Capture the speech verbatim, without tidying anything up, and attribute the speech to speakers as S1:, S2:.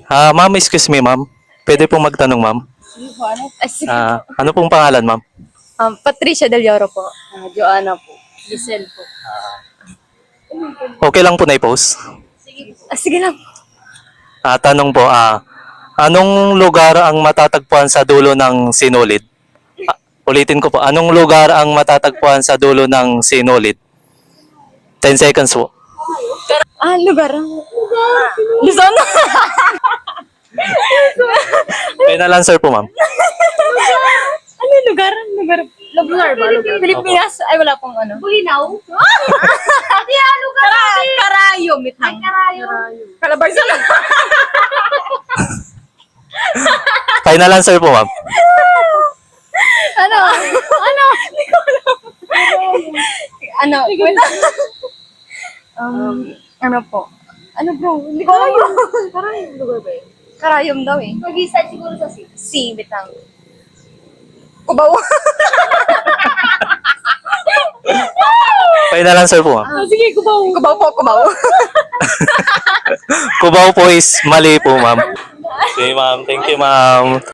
S1: Ah, ma'am, excuse me, ma'am. Pwede pong magtanong, ma'am.
S2: Sige po, ano? Ay, sige.
S1: Ah, ano pong pangalan, ma'am?
S2: Um, Patricia Del Lloro po. Ah, Joanna po. Giselle po.
S1: Okay lang po na i-post.
S2: Sige po. Ah, sige lang.
S1: Ah, tanong po, ah, anong lugar ang matatagpuan sa dulo ng sinulid? Ah, ulitin ko po, anong lugar ang matatagpuan sa dulo ng sinulid? ten seconds po.
S2: Ah, lugar. Luzon.
S1: Final answer po, ma'am.
S2: Ano yung lugar? Lugar. Lugar ba? Lugar. Pilipinas? Ay, wala pong ano.
S3: Bulinaw? Hindi, ano ka
S2: Kara Karayo, mitang.
S3: Karayo.
S2: Calabarzon.
S1: Final answer po, ma'am.
S2: Ano? Ano? Hindi ko alam. Ano? Wait. Um, ano po? Ano bro? Hindi ko alam.
S3: Karayom lugar ba yun?
S2: Karayom daw eh.
S3: Mag-isa siguro sa city.
S2: Si, bitang. Kubaw.
S1: Final answer po, ma'am.
S2: Ah, sige, kubaw. Kubaw po, kubaw.
S1: Cubao po is mali po, ma'am. Okay, ma'am. Thank you, ma'am.